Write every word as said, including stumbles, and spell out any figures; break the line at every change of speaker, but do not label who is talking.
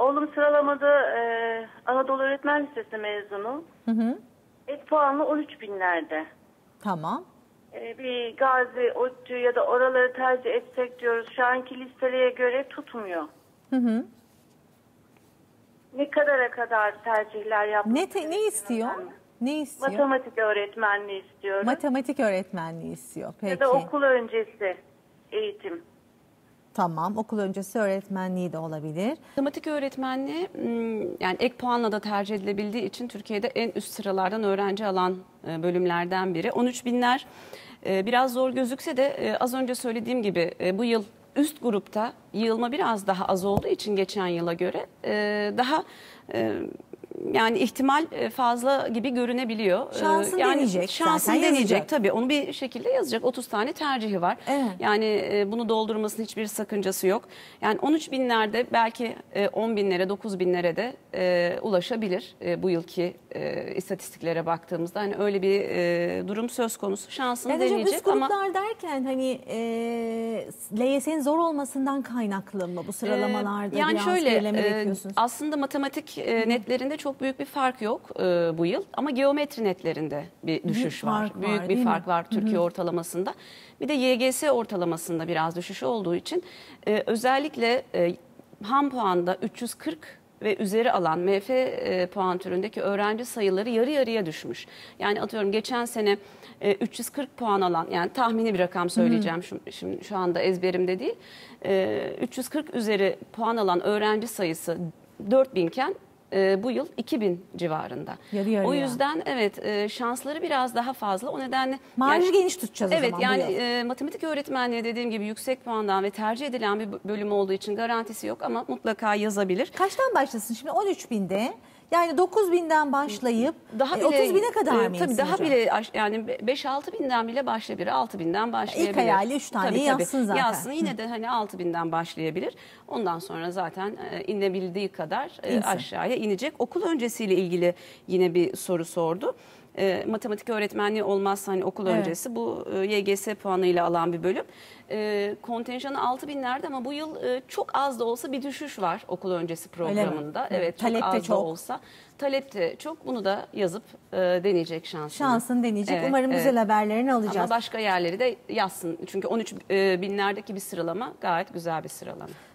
oğlum sıralamada e, Anadolu Öğretmen Lisesi mezunu.
Hı hı.
Ek puanlı on üç binlerde.
Tamam.
E, bir Gazi, ODTÜ ya da oraları tercih etsek diyoruz. Şu anki listelere göre tutmuyor.
Hı hı.
Ne kadara kadar tercihler yapmak
Ne, te, ne istiyor?
önemli.
Ne istiyor?
Matematik öğretmenliği istiyorum.
Matematik öğretmenliği istiyor. Peki.
Ya da okul öncesi eğitim.
Tamam, okul öncesi öğretmenliği de olabilir.
Matematik öğretmenliği yani ek puanla da tercih edilebildiği için Türkiye'de en üst sıralardan öğrenci alan bölümlerden biri. on üç binler biraz zor gözükse de az önce söylediğim gibi bu yıl üst grupta yığılma biraz daha az olduğu için geçen yıla göre daha yani ihtimal fazla gibi görünebiliyor.
Şansın
yani
deneyecek.
Şansın
zaten
deneyecek
yazacak.
tabii. Onu bir şekilde yazacak. otuz tane tercihi var.
Evet.
Yani bunu doldurmasının hiçbir sakıncası yok. Yani on üç binlerde belki on binlere, dokuz binlere de ulaşabilir bu yılki istatistiklere baktığımızda. Hani öyle bir durum söz konusu. Şansını
Evet,
deneyecek
üst gruplar
ama
derken hani e, L Y S'nin zor olmasından kaynaklı mı bu sıralamalarda?
yani
biraz
şöyle
gerileme
e,
bekliyorsunuz?
aslında matematik e, netlerinde çok büyük bir fark yok e, bu yıl ama geometri netlerinde bir düşüş var.
fark var,
Büyük
değil
bir fark
mi?
var Türkiye ortalamasında. Bir de Y G S ortalamasında biraz düşüş olduğu için e, özellikle e, ham puanda üç yüz kırk ve üzeri alan M F e, puan türündeki öğrenci sayıları yarı yarıya düşmüş. Yani atıyorum geçen sene e, üç yüz kırk puan alan, yani tahmini bir rakam söyleyeceğim şu, şimdi şu anda ezberimde değil. E, üç yüz kırk üzeri puan alan öğrenci sayısı dört bin iken e, bu yıl iki bin civarında.
Yarı yarıya.
O yüzden evet e, şansları biraz daha fazla. O nedenle
Marjı
yani,
geniş tutacağız
evet,
o zaman.
yani
bu yıl.
e, matematik öğretmenliği dediğim gibi yüksek puandan ve tercih edilen bir bölüm olduğu için garantisi yok ama mutlaka yazabilir.
Kaçtan başlasın şimdi? on üç binde. Yani dokuz binden başlayıp
Daha
e,
bile,
otuz bine kadar
e,
mı?
Tabii daha
hocam?
bile yani beş altı binden bile başlayabilir. altı binden başlayabilir.
İlk hayali üç tane
Tabii,
yazsın
tabii.
zaten.
Yazsın, yine de hani altı binden başlayabilir. Ondan sonra zaten e, inebildiği kadar e,
İnsin.
aşağıya inecek. Okul öncesiyle ilgili yine bir soru sordu. E, matematik öğretmenliği olmazsa hani okul
Evet.
öncesi bu e, Y G S puanıyla alan bir bölüm. E, kontenjanı altı binlerde ama bu yıl e, çok az da olsa bir düşüş var okul öncesi programında. Evet, çok
Talep de
az
çok.
da olsa. Talep de çok. Bunu da yazıp e, deneyecek şansını.
Şansını deneyecek.
Evet,
Umarım
evet.
güzel haberlerini alacağız.
Ama başka yerleri de yazsın. Çünkü on üç binlerdeki bir sıralama gayet güzel bir sıralama.